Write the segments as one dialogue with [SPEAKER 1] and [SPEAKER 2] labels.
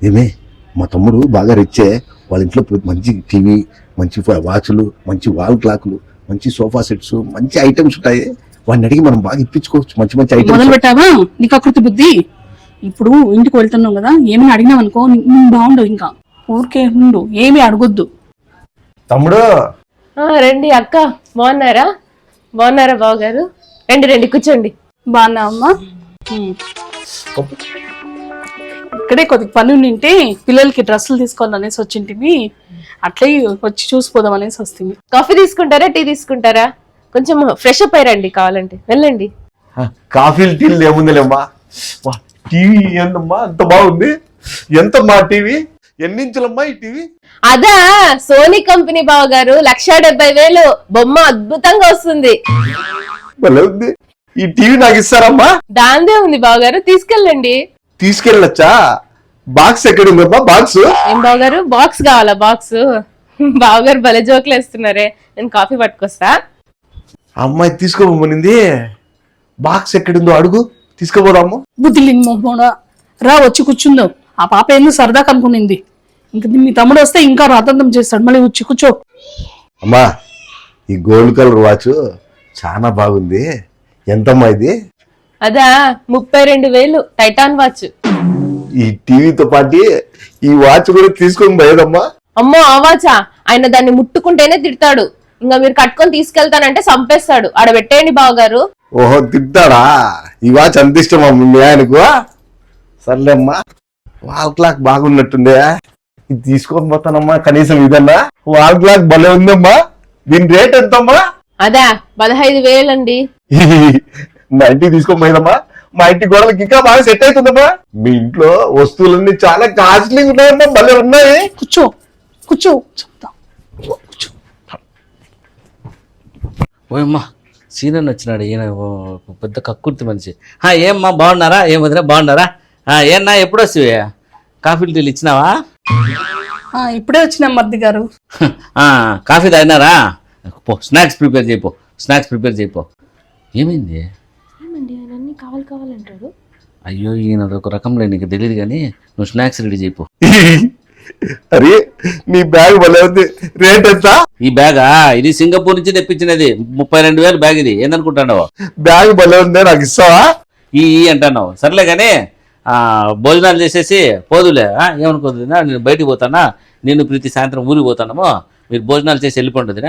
[SPEAKER 1] ఏమే మా తమ్ముడు బాగా రిచ్చే, వాళ్ళ ఇంట్లో మంచి టీవీ, మంచి వాచ్లు, మంచి వాల్ క్లాక్లు, మంచి సోఫా సెట్స్, మంచి ఐటమ్స్ ఉంటాయి. వాడిని అడిగి మనం బాగా ఇప్పించుకోవచ్చు మంచి మంచి ఐటమ్స్.
[SPEAKER 2] మొదలు పెట్టావా నీకు అకృతి బుద్ధి? ఇప్పుడు ఇంటికి వెళ్తున్నావు కదా, ఏమైనా అడిగినావు అనుకో బాగుండవు. ఇంకా ఊరికే ఉండు, ఏమి అడగొద్దు.
[SPEAKER 1] తమ్ముడు
[SPEAKER 3] రండి అక్క, బాగున్నారా? బాగున్నారా బావగారు? రండి రండి కూర్చోండి.
[SPEAKER 2] బాగున్నావమ్మా? ఇక్కడే కొద్దిగా పని ఉండింటే పిల్లలకి డ్రెస్సులు తీసుకోవాలనేసి వచ్చింటివి, అట్లే వచ్చి చూసిపోదాం అనేసి వస్తుంది.
[SPEAKER 3] కాఫీ తీసుకుంటారా, టీ తీసుకుంటారా? కొంచెం ఫ్రెష్ అప్ అయ్యండి, కావాలంటే వెళ్ళండి.
[SPEAKER 1] కాఫీలు టీలు ఏముందిలేమ్మా, టీవీ ఏందమ్మా అంత బాగుంది. ఎంతమ్మా టీవీ? ఎన్నించులమ్మా ఈ టీవీ?
[SPEAKER 3] అదా సోనీ కంపెనీ బావగారు, 1,70,000 బొమ్మ అద్భుతంగా వస్తుంది.
[SPEAKER 1] భలే ఉంది. ఈ టీవీ నాకు ఇస్తారమ్మా?
[SPEAKER 3] దాందే ఉంది బావగారు, తీసుకెళ్ళండి.
[SPEAKER 1] తీసుకెళ్ళొచ్చా? బాక్స్ ఎక్కడ ఉందమ్మా? బాక్స్
[SPEAKER 3] ఏం బావగారు, బాక్స్ కావాలా? బాక్స్ బావగారు భలే జోకులు వేస్తున్నారే. నేను కాఫీ పట్టుకొస్తా.
[SPEAKER 1] అమ్మాయి తీసుకోబోమనింది, బాక్స్ ఎక్కడుందో అడుగు, తీసుకోపోదాము.
[SPEAKER 2] బుద్ధి లేని మొహమోడా, రా వచ్చి కూర్చుందాం. ఆ పాప ఎందుకు సరదా కనుక్కునింది, ఇంక మీ తమ్ముడు వస్తే ఇంకా రాతంతం చేస్తాడు. మళ్ళీ వచ్చి కూర్చో.
[SPEAKER 1] అమ్మా ఈ గోల్డ్ కలర్ వాచ్ చాలా బాగుంది. ఎంతమ్మా ఇది?
[SPEAKER 3] అదా 32,000 టైటాన్ వాచ్.
[SPEAKER 1] ఈ టీవీతో పాటు ఈ వాచ్ కూడా తీసుకొని పోయేదమ్మా.
[SPEAKER 3] అమ్మో ఆ వాచా? ఆయన దాన్ని ముట్టుకుంటేనే తిడతాడు. ఇంకా మీరు కట్టుకొని తీసుకెళ్తానంటే చంపేస్తాడు. ఆడ పెట్టేయండి బావగారు.
[SPEAKER 1] ఓహో తిట్టాడా? ఈ వాచ్ అంత ఇష్టమా మీ ఆయనకు? సర్లేమ్మా, వాల్ క్లాక్ బాగున్నట్టుందే, ఇది తీసుకొని పోతానమ్మా. కనీసం ఇదన్నా వాల్ క్లాక్ భలే ఉందమ్మా. దీని రేట్ ఎంతమ్మా?
[SPEAKER 3] అదా 15,000 అండి.
[SPEAKER 1] మా ఇంటికి తీసుకొని పోయిందమ్మా. మా ఇంటి గోడలకి ఇంకా బాగా సెట్ అవుతుందమ్మా. మీ ఇంట్లో వస్తువులన్నీ చాలా కాస్ట్లీ ఉన్నాయమ్మా, భలే ఉన్నాయి.
[SPEAKER 2] కూర్చో కూర్చో చెప్తా.
[SPEAKER 4] ఓయమ్మా సీనియర్ వచ్చినాడు, ఈయన పెద్ద కక్కుర్తి మనిషి. ఏమ్మా బాగున్నారా? ఏం వదిలే బాగున్నారా? ఏమన్నా ఎప్పుడు వస్తావే? కాఫీలు టీలు ఇచ్చినావా?
[SPEAKER 2] ఇప్పుడే వచ్చిన మర్ది గారు.
[SPEAKER 4] కాఫీ తాగినారా? పో స్నాక్స్ ప్రిపేర్ చేయిపో, స్నాక్స్ ప్రిపేర్ చేయిపో. ఏమైంది?
[SPEAKER 3] కావాలంటాడు.
[SPEAKER 4] అయ్యో ఈయన ఒక రకంలో నీకు తెలియదు కానీ నువ్వు స్నాక్స్ రెడీ చేయిపో.
[SPEAKER 1] అరే నీ బ్యాగ్ భలే ఉంది. రేట్ ఎంత?
[SPEAKER 4] ఈ బ్యాగా ఇది సింగపూర్ నుంచి తెప్పించినది. 32,000 బ్యాగ్. ఇది ఏందనుకుంటావు?
[SPEAKER 1] బ్యాగ్ భలే ఉంది, నాకు ఇస్తావా?
[SPEAKER 4] ఈ అంటున్నావు. సర్లే కానీ భోజనాలు చేసేసి పోదులే. ఏమనుకోదు, నేను బయటికి పోతానా, నేను ప్రీతి సాయంత్రం ఊరికి పోతానమో, మీరు భోజనాలు చేసి వెళ్ళిపోండినా.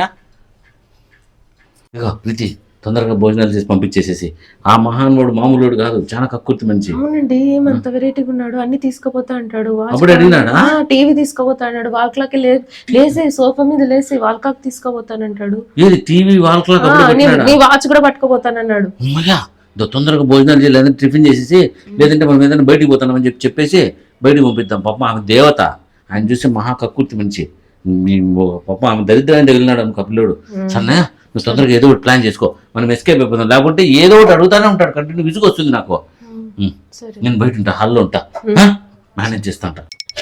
[SPEAKER 4] ఇగో ప్రీతి తొందరగా భోజనాలు చేసి పంపించేసేసి. ఆ మహానుడు మామూలుడు కాదు, చాలా కక్కుర్తి మంచి.
[SPEAKER 3] అవునండి, ఏమంత వెరైటీగా ఉన్నాడు. అన్ని తీసుకుపోతా అంటాడు.
[SPEAKER 4] అప్పుడు అడిగినాడా?
[SPEAKER 3] టీవీ తీసుకుపోతా అన్నాడు. వాల్ క్లాక్ లేసి సోఫా మీద లేసి వాల్ క్లాక్ తీసుకుపోతానంటాడు.
[SPEAKER 4] ఏది టీవీ వాల్ క్లాక్?
[SPEAKER 3] నీ వాచ్ కూడా పట్టుకుపోతానన్నాడు.
[SPEAKER 4] అమ్మయ్యా తొందరగా భోజనాలు చేయాలి, లేదంటే టిఫిన్ చేసేసి, లేదంటే మనం ఏదైనా బయటికి పోతామని చెప్పేసి బయటికి పంపిద్దాం. పాప ఆమె దేవత, ఆయన చూస్తే మహా కక్కుర్తి మంచి. పాప ఆమె దరిద్రాన్ని తగిలినాడు ఆమె కపిల్లోడు. సన్నయ్య నువ్వు తొందరగా ఏదో ఒకటి ప్లాన్ చేసుకో, మనం ఎస్కేప్ అయిపోతాం. లేకుంటే ఏదో ఒకటి అడుగుతానే ఉంటాడు, కంటిన్యూ విసుగు వస్తుంది నాకు. నేను బయట ఉంటా, హాల్లో ఉంటా, మేనేజ్ చేస్తా ఉంటా.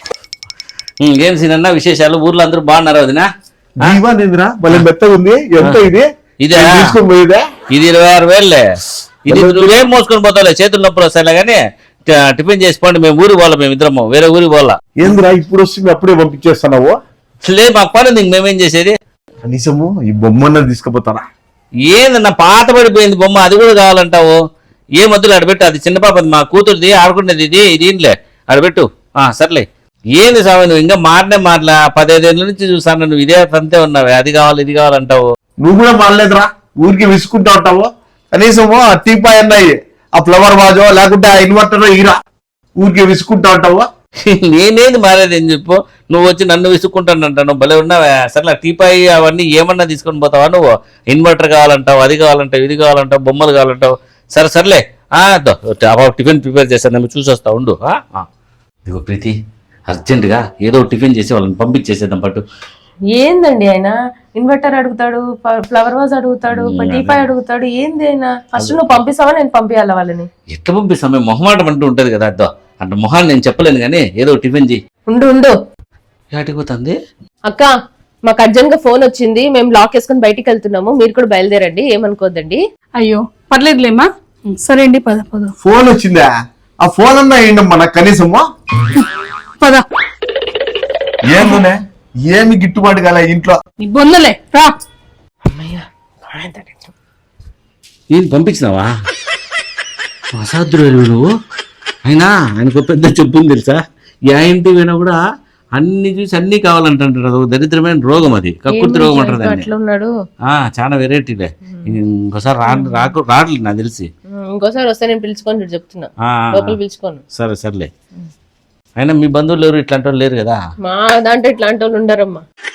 [SPEAKER 4] ఏం సీనన్నా విశేషాలు? ఊర్లో అందరూ బాగున్నారు వదినా?
[SPEAKER 1] మెత్తగా ఉంది. ఎంత ఇది?
[SPEAKER 4] ఇదే ఇది 26,000. ఇది నువ్వేం మోసుకొని పోతావులే, చేతులు నొప్పులు వస్తాయిలే కానీ టిఫిన్ చేసుకోండి. మేము ఊరికి పోవాలా, మేము ఇద్దరము వేరే ఊరికి పోవాలా.
[SPEAKER 1] ఏందిరా ఇప్పుడు వస్తుంది అప్పుడే పంపించేస్తున్నావు?
[SPEAKER 4] లేదు మాకు పని ఉంది, మేమేం చేసేది.
[SPEAKER 1] కనీసము ఈ బొమ్మన్న తీసుకుపోతారా?
[SPEAKER 4] ఏందన్నా పాత పడిపోయింది బొమ్మ, అది కూడా కావాలంటావు? ఏ మధ్యలో అడబెట్టు, అది చిన్న పాప, మా కూతురుది ఆడుకునేది. ఇది ఇంట్లే అడబెట్టు. సర్లే. ఏంది సామె నువ్వు ఇంకా మాటలా 15 ఏళ్ళ నుంచి చూసాను, నువ్వు ఇదే అంతే ఉన్నావే, అది కావాలి ఇది కావాలంటావు.
[SPEAKER 1] నువ్వు కూడా మారలేదురా, ఊరికి విసుకుంటా ఉంటావు. కనీసము ఆ టీపాయ్ అన్నాయి, ఆ ఫ్లవర్ వాజో లేకుంటే ఆ ఇన్వర్టర్ ఇరా, ఊరికి విసుకుంటా ఉంటావు.
[SPEAKER 4] నేనేది మారేది ఏం చెప్పు, నువ్వు వచ్చి నన్ను విసుక్కుంటానంటావు. భలే ఉన్నావా? సర్లే టీపాయ్ అవన్నీ ఏమన్నా తీసుకొని పోతావా నువ్వు? ఇన్వర్టర్ కావాలంటావు, అది కావాలంటావు, ఇది కావాలంటావు, బొమ్మలు కావాలంటావు. సర్లే టిఫిన్ ప్రిపేర్ చేస్తాను, మేము చూసి వస్తా ఉండు. ఇదిగో ప్రీతి, అర్జెంటుగా ఏదో టిఫిన్ చేసి వాళ్ళని పంపించేసేద్దాం పట్టు.
[SPEAKER 3] ఏందండి ఆయన ఇన్వర్టర్ అడుగుతాడు, ఫ్లవర్ వాజ్ అడుగుతాడు, టీపాయ్ అడుగుతాడు. ఏంది ఆయన? ఫస్ట్ నువ్వు పంపిస్తావా నేను పంపించాలా వాళ్ళని?
[SPEAKER 4] ఎట్లా పంపిస్తాం? మేము మొహమాటం అంటూ ఉంటది కదా, అద్దో అంటే మొహాన్ని నేను చెప్పలేను కానీ ఏదో టిఫిన్ చేయి.
[SPEAKER 3] ఉండు
[SPEAKER 4] ఏటిపోతుంది
[SPEAKER 3] అక్క, మాకు అర్జెంట్ గా ఫోన్ వచ్చింది, మేము లాక్ వేసుకుని బయటికి వెళ్తున్నాము, మీరు కూడా బయలుదేరండి, ఏమనుకోద్దండి.
[SPEAKER 2] అయ్యో పర్లేదులేమ్మా, సరే అండి పద.
[SPEAKER 1] ఫోన్ వచ్చిందా? ఆ ఫోన్ అన్నా ఏంటమ్మా నాకు కనీసము?
[SPEAKER 2] పద
[SPEAKER 1] ఏందోనే ఏమి గిట్టుబాటు కాలే ఇంట్లో.
[SPEAKER 2] నీ బొందలే రా.
[SPEAKER 4] ఏం పంపించినావా? అసాధ్యుడు నువ్వు. అయినా ఆయనకు పెద్ద చెప్పు ఉంది తెలుసా, ఏ ఇంటికి పోయినా కూడా అన్ని చూసి అన్ని కావాలంటారు. అది దరిద్రమైన రోగం, అది కక్కుర్తి రోగం అంటారు దాన్ని.
[SPEAKER 3] అట్లా ఉన్నాడు.
[SPEAKER 4] చాలా వెరైటీలే. ఇంకోసారి రావట్లేదు నాకు తెలిసి.
[SPEAKER 3] ఇంకోసారి వస్తే నేను పిలుచుకొని చూడు చెప్తున్నా, లోపల పిలుచుకోను.
[SPEAKER 4] సరే సర్లే. అయినా మీ బంధువులు ఎవరు ఇట్లాంటి వాళ్ళు లేరు కదా?
[SPEAKER 3] మా దాంట్లో ఇట్లాంటి వాళ్ళు ఉండరమ్మా.